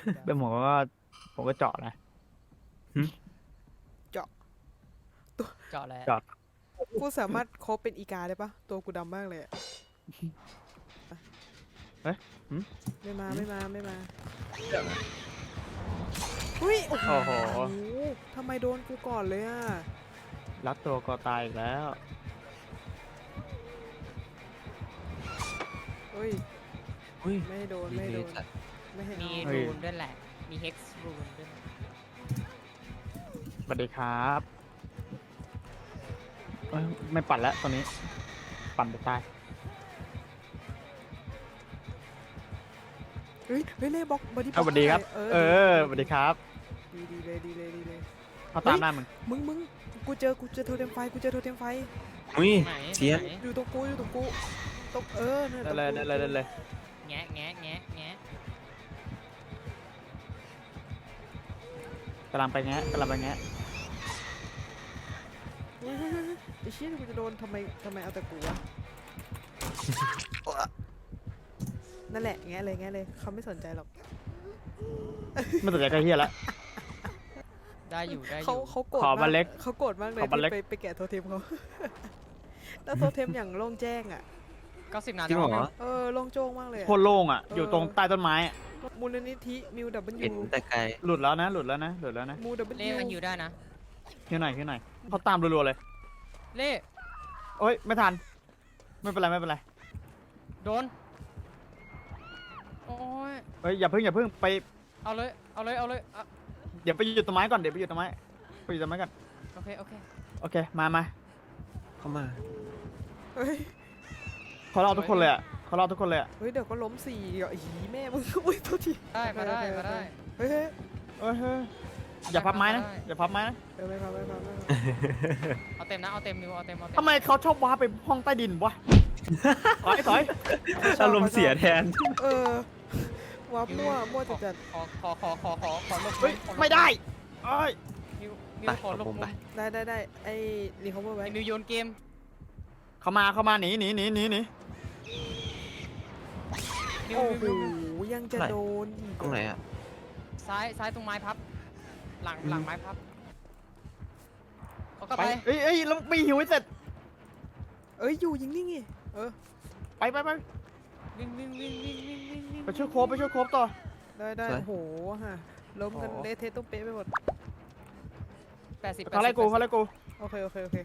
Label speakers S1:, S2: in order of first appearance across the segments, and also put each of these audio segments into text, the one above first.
S1: เป็นผมก็เจาะนะ
S2: เจาะตัว
S3: เจาะแล้ว
S1: เจาะ
S2: กูสามารถโคบเป็นอีกาได้ปะตัวกูดำมากเลยอะ
S1: เอ๊ะ
S2: ไม่มาอุ้ยโอ้โห
S1: โอ้โห
S2: ทำไมโดนกูก่อนเลยอะ
S1: รัดตัวก็ตายอีกแล้ว
S2: เฮ้ย
S4: อุ้ย
S2: ไม่ให้โดน
S4: ดีเลยสัตว์
S2: ไม่ให้
S3: มี
S2: เอา
S3: รูนด้วยแหละ มีเฮกซ์รูนด้วยนะ
S1: สวัสดีครับเอ้ยไม่ปั่นแล้วตอนนี้ ปั่นไปตาย
S2: เฮ้ยเล่บล็อกบอดี้
S1: สวัสดีครับ สวัสดีครับ
S2: ดีเลย
S1: เขาตามหน้ามึง
S2: มึงกูเจอโทเทมไฟ
S4: อุ้ย
S3: ไหน
S4: เชียน
S3: ไหน
S2: อยู่ตรงกูนั่น
S1: ได้
S2: ตรง
S1: เลย
S3: แงะแงะแงะแงะ
S1: กำลังไปแงะ
S2: เฮ้ยไอ้เชี่ยกูจะโดนทำไมเอาแต่กูวะ นั่นแหละแงะเลยเขาไม่สนใจหรอก
S1: ไม่สนใจใครเฮียละ
S3: ได้อยู่ได้อ
S2: เขา
S3: ยู่
S2: เขาโกรธ
S1: ขอบัลเล็ก
S2: เขาโกรธมากเลย
S1: ขอบัลเล็ก
S2: ที่ไปแกะโทเทมเขา แล้วโทเทมอย่างโล่งแจ้งอ่ะ
S3: 90นา
S4: จริ
S3: ที
S4: งเหรอ
S2: โล่งโจ้งมากเลยอะ
S1: โคตรโล่งอ่ะ อยู่ตรงใต้ต้นไม้อะ
S2: มูลนิธิมิวดับเบิล
S4: เห็น
S2: ยู
S4: แต่ไกล
S1: หลุดแล้วนะ
S2: มูดับเบิล
S3: เล่
S2: ยู
S3: มาฮิวได้นะ
S1: เฮียหน่อยเขาตามรัวๆเลย
S3: เล่
S1: โอ้ยไม่ทัน ไม่เป็นไร
S3: โดน โอ้ย
S1: เฮ้ยอย่าเพิ่งไป
S3: เอาเลยอ่ะ
S1: เดี๋ยวไปอยู่ต้นไม้ก่อน ไปอยู่ต้นไม้ก่อน
S3: โอเค
S1: โอเค มา
S4: เข้ามา
S2: เฮ้ย
S1: เขารอทุกคนเลยอ่ะ
S2: เฮ้ยเดี๋ยวก็ล้มสี่เดี๋ยวหีแม่มึง อุ้ยโทษที
S3: ได้มาได้
S2: เฮ้ย
S1: เฮ้ยอย่าพับไม้นะ
S2: ไม่พา
S3: เอาเต็มนะเอาเต็มนิวเอาเต็ม
S1: ทำไมเขาชอบว้าไปห้องใต้ดินวะ ถอย
S4: อารมณ์เสียแทน
S2: วับมั่วจัด
S3: ขอลบ
S1: เฮ้ยไม่ได้เอ้ย
S3: นิว
S4: ไป
S3: ขอลบ
S4: ผมไป
S2: ได้ไอ้รีคอมเวอร์ไว้
S3: ไอ้นิวโยนเกม
S1: เข้ามาหนี
S3: นิว
S2: โอ้โหยังจะโดนอีก
S4: ตรงไหนอ่ะ
S3: ซ้ายตรงไม้พับ หลังไม้พับเขาก็
S1: ไป
S3: ไป
S1: เอ้ยแล้วไม่หิวให้เสร็จ
S2: อยู่ยิงนี่ไง
S1: ไป
S3: วิ่ง
S1: ไปช่วยโคบต่อ
S2: ได้โอ้โหฮะล้มกันเละเทะต้องเป๊ะไปหมด
S3: 80
S1: เขาไล่กู
S2: โอเค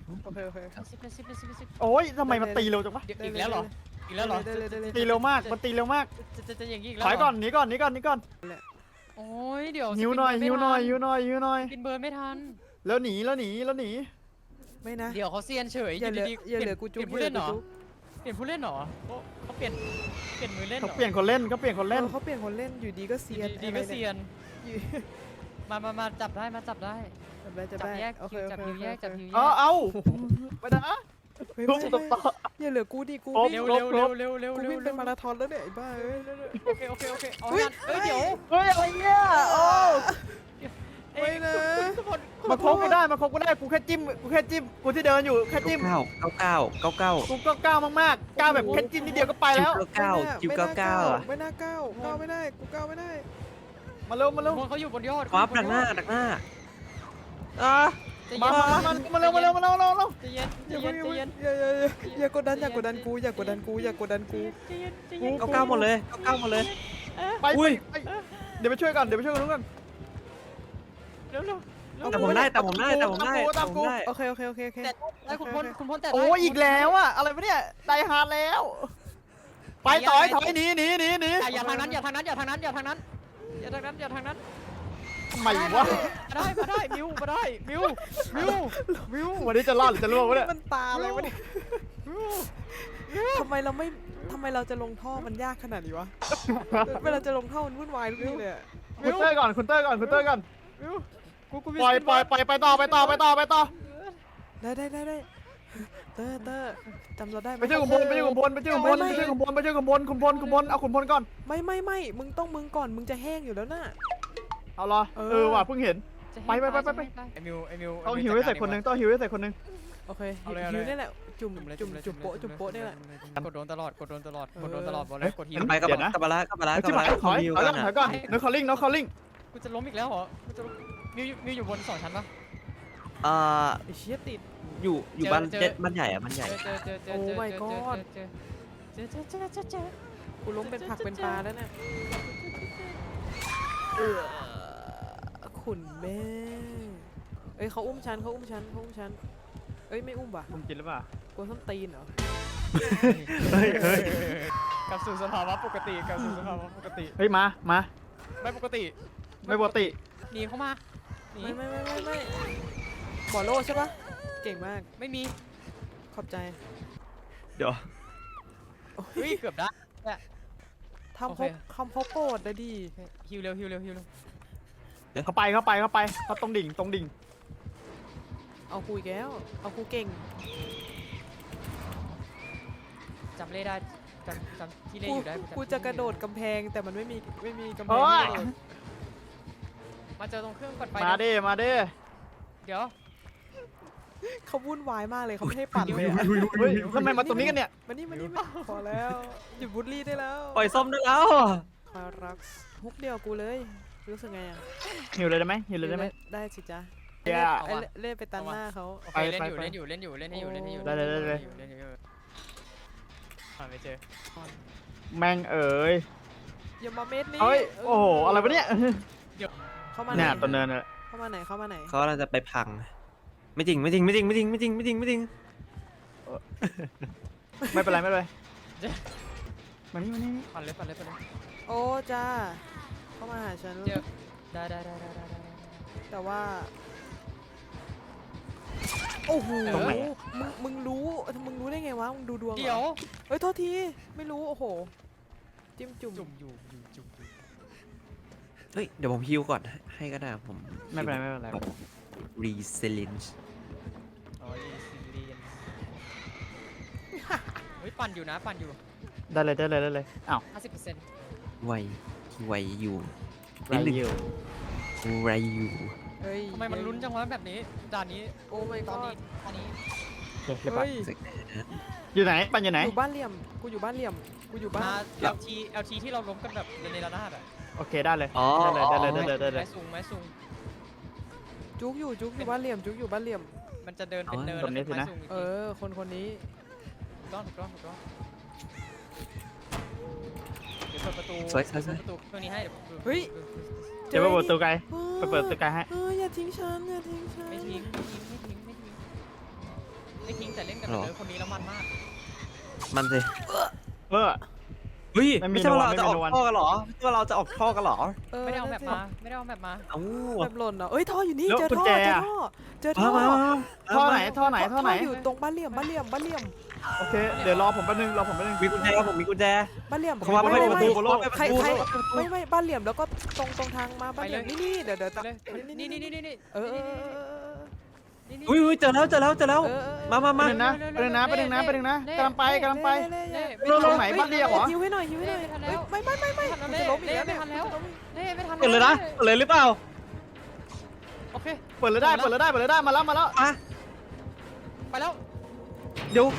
S1: โอ้ยทำไมมันตีเร็วจังวะ
S3: อีกแล้วเหรอ
S2: ได้
S1: ตีเร็วมากมันตีเร็วมาก
S3: จะอย่างนี้อีกแล้ว
S1: ถอยก่อนหนีก่อน
S3: โอ้ยเดี๋ยว
S1: หิวหน่อย
S3: กินเบิร์นไม่ทัน
S1: แล้วหนี
S2: ไม่นะ
S3: เดี๋ยวเขาเซียนเฉย
S2: อย่าเหลือกูจุ๊บ
S3: เปลี่ยนผู้เล่นเหรอเปลี่ยนผู้เล่นเหรอเขาเปลี่ยนมือเล่นเหร
S1: เขา
S3: อ
S1: เปลี่ยนคนเล่น
S2: เขาเปลี่ยนคนเล่นอยู่ดีก็เซียน
S3: ดีก็เซียนมาจับได้จับ
S2: จะได้
S3: แยก
S2: โอเค
S3: จับฮิวแยกจับฮิวแย
S1: เอาไปนะ
S2: ไม่อย่าเหลือกูดิกู
S3: เร็ว
S2: กูวิ่งเป็นมาราธอนแล้วเนี่ยไอ้บ้า
S3: โอเคเอาเดี๋ยว
S1: เฮ้ยอะไรเนี่ยโอ้
S2: ไม่นะ
S1: มาโคบกูได้กูแค่จิ้มกูที่เดินอยู่แค่จิ้ม
S4: 99
S1: กูก็ก้าวมากๆก้าวแบบแค่จิ้มนิดเดียวก็ไปแล้ว
S4: คิว99อ่ะ
S2: ไม่น่าก้าวไม่ได้กูก้าวไม่ได้
S1: มาเร็ว
S3: เขาอยู่บนยอด
S4: วับดักหน้า
S1: มาเร็ว
S3: ใจเย็น
S2: อย่ากดดันกู
S4: 99หมดเลย
S1: ไปเดี๋ยวไปช่วยกันนู้นกัน
S3: เร็ว
S4: แต่ผมได้
S1: ตามกู
S2: โอเค
S3: แต่คุณพลแต่
S1: โอ้อีกแล้วอะอะไรวะเนี่ยไดฮาร์ดแล้ว ไปถอยหนี
S3: อย่าทางนั้น
S1: ทำไมวะ
S3: มาได้มิว
S1: วันนี้จะรอดหรือจะล่วงวะเนี่ย
S2: มันตาอะไรวะเนี่ยทำไมเราจะลงท่อมันยากขนาดนี้วะเวลาจะลงท่อมันวุ่นวายทุกทีเลย
S1: คุณเต้ยก่อนปล่อยไปต่อได้จำเราได้ไหมไปช่วยขุนพลเอาขุนพลก่อน
S2: ไม่มึงก่อนมึงจะแห้งอยู่แล้วน่ะ
S1: เอาเหรอว่ะเพิ่งเห็น ไป
S3: ไอ้มิว
S1: ต้องหิวให้ใส่คนนึง
S2: โอเค
S3: เอาเลย
S2: ฮิวนี่แหละจุ่มจุ่มโป๊ะนี่แหละ
S3: กดโดนตลอดกดโดนตลอด
S2: เออ
S3: กดโดนตลอดบอกเลยกดฮิว
S4: ไปกลับ
S1: เดี๋ยวนะ
S4: กลับมาละกลับมาละ
S1: เฮ้ย
S4: กลั
S1: จิ
S4: บ
S1: บ
S4: มา
S1: หาย
S4: ละ
S1: ถอย
S4: วิว
S1: ถอย
S4: กั
S1: ก่อน น
S4: อะ
S1: ถอยก่อน no calling no calling
S3: กูจะล้มอีกแล้วเหรอกูจะมิวอยู่บน2 ชั้นปะ
S4: เอ่อ
S2: ไอ้เชี่ยติด
S4: อยู่บ้านเจ็ดบ้านใหญ่อะบ้านใหญ่
S3: เจอ
S2: Oh my god
S3: เจอ
S2: กูล้มเป็นผักเป็นปลาแล้วเนี่ยขุนแม่เอ้ยเขาอุ้มฉันเอ้ยไม่อุ้มว่ะ
S1: ผมกินหรือเปล่า
S2: กลัวส้นตีนเหรอ
S1: เฮ้ยเฮ้ย
S3: กลับสู่สภาวะปกติกลับสู่สภาวะปกติ
S1: เฮ้ยมา
S3: ไม่ปกติ
S1: ไม่ปกติ
S3: หนีเข้ามาหนี
S2: ไม่บอโลใช่ปะเก่งมาก
S3: ไม่มี
S2: ขอบใจ
S4: เดี๋ยว
S3: เฮ้ยเกือบได้
S2: ทำ
S3: โอ
S2: เขา
S3: เค
S2: คำเขาโกรธนะดิ
S3: ฮิวเร็วฮิวเร็วฮิวเร็ว
S1: เข้าไปเขาตรงดิ่ง
S2: เอากูอีกแล้วเอากูเก่ง
S3: จำเล่ได้จำที่เล่อยู่ได้
S2: กูจะกระโดดกำแพงแต่มันไม่มีกำแพ
S1: โอ้
S2: ง
S1: ย
S2: ให้กระโดด
S3: มาเจอตรงเครื่องกดไฟ
S1: มาดิ
S3: เดี๋ยว
S2: เขาวุ่นวายมากเลยเขาไม่ให้ปั่นเลยอะ
S1: เฮ้ยทำไมมาตรงนี้กันเนี่ย
S2: มานี่พอแล้วหยุดบูลลี่ได้แล้ว
S4: ปล่อยส้มได้แล้ว
S2: คารักฮุกเดียวกูเลยรู้สึกไงอ่ะ
S1: หิวเลยได้ไหมหิวเลยได้ไหม
S2: ได้สิจ๊ะ
S1: แย่
S2: ไอ้เล่นไปตันหน้าเขา
S3: โอเคเล่นอยู่เล่นอยู่เล่นอยู่เล่นให้อยู่เล่นให้อยู่
S1: ได้เลย
S3: เล่นอยู่ไม่เจอ
S1: แม่งเอ๋ย
S2: อย่ามาเม็ดนี้
S1: เฮ้ยโอ้โหอะไรวะเนี่ย
S2: เข้ามาไหน
S1: เนี่ยตัวเนินเลย
S2: เข้ามาไหน
S4: เขาเราจะไปพัง ไม่จริงไม่จริงไม่จริงไม่จริงไม่จริงไม่จริงไม่จริง
S1: ไม่เป็นไรมานี่
S3: ปั่นเลย
S2: โอ้จ้าเข้ามาหาฉัน
S3: เจอได้
S2: แต่ว่าโอ้โห
S1: ตรงไหน
S2: มึงรู้ได้ไงวะมึงดูดวงหรอ
S3: เดี๋ยว
S2: เฮ้ยโทษทีไม่รู้โอ้โหจิ้มจุ่ม
S3: จุ่มอยู่
S4: เฮ้ยเดี๋ยวผมฮิวก่อนให้ก็ได้ผม
S1: ไม่เป็นไร
S4: รีเซลินช์
S3: อ๋อซีเรียนเฮ้ยปั่นอยู่นะปั่นอยู่
S1: ได้เลยอ้าว
S3: 50%
S4: ไวอยู่
S1: ไรอยู่
S4: ไรอยู่
S2: เฮ้ย
S3: ทำไมมันลุ้นจังวะแบบนี้ด่านนี้
S2: โอ้ไม่
S3: ต
S2: ก็
S3: อนนี้
S1: เดี๋ยวไป
S2: เฮ้ย
S1: อยู่ไหนปันอยู่ไหน
S2: อยู่บ้านเหลี่ยมกูอยู่บ้านเหลี่ยมกูอยู่บ้าน
S3: มา LT ที่เราล้มกันแบบในระนาดอ่ะ
S1: โอเคได้เลย
S4: อ๋อ
S1: ได้เลย
S3: ไม้สูง
S2: จุกอยู่บ้านเหลี่ยม
S3: มันจะเดินเป็นเนิน
S1: ตรงนี้สินะ
S2: เออคนนี้
S3: ถูกต้องเดี๋ยวเปิดประตู
S4: สวย
S3: ประตูเครื่องนี้ให้
S2: เฮ้ย
S1: เดี๋ยวไปเปิดประตูไกลไปเปิดประตูไกลให้
S2: อย่าทิ้งฉัน
S3: ไม่ทิ้งแต่เล่นกับเนิร์คนนี้แล้วมันมาก
S4: มันสิ
S1: เออ
S4: เฮ้ย
S1: ไม่มี
S4: ไม่ใช่ว่าเรา
S1: ไม่มี
S4: จะออก
S1: รางวัล
S4: ท่อกันเหรอไม่ใช่ว่าเราจะออกท่อกันเหรอ
S3: ไม่ได้เอาแบบมา
S4: เอ้า
S2: แบบหล่นเหรอเอ้ยท่ออยู่นี่
S1: แล้ว
S2: เจอ
S1: กุญ
S2: ท่อ
S1: แจ
S2: เจอท่อ
S4: มา
S1: ท่อไหนท่อไหน
S2: อยู่ตรงบ้านเหลี่ยม
S1: โอเคเดี๋ยวรอผมแป๊บนึง
S4: มีกุญแจผมมีกุญแจ
S2: บ้านเหลี่ยม
S4: เขามาไม่
S1: ประตู
S2: ใครไม่บ้านเหลี่ยมแล้วก็ตรงทางมาบ้านเหลี่ยมนี่เดี๋ยว
S3: เลยนี่
S2: เออ
S4: อุ้ยเจอแล้วมา
S1: ประเด็นนะกำลังไป ลงไหนบ้านเหลี่ยมเหรอ
S2: หิวให้หน่อยไม่จะล้มอีกแล้ว
S3: ไม่ทันแล้วเล่ไม่ทัน
S4: เปิดเลยนะเปิดเลยหรือเปล่า
S3: โอเค
S1: เปิดเลยได้มาแล้ว
S4: อ่ะ
S3: ไปแล้ว
S4: เดี๋ยว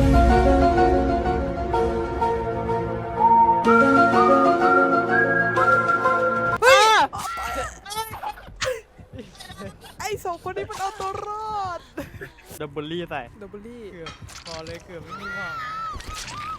S2: ไอ้สองคนนี้มันเอาตัวรอด
S1: ดับเบิลลี่ใส่
S2: ดับเบิลลี่
S3: เกือบพอเลยเกือบไม่มีหวัง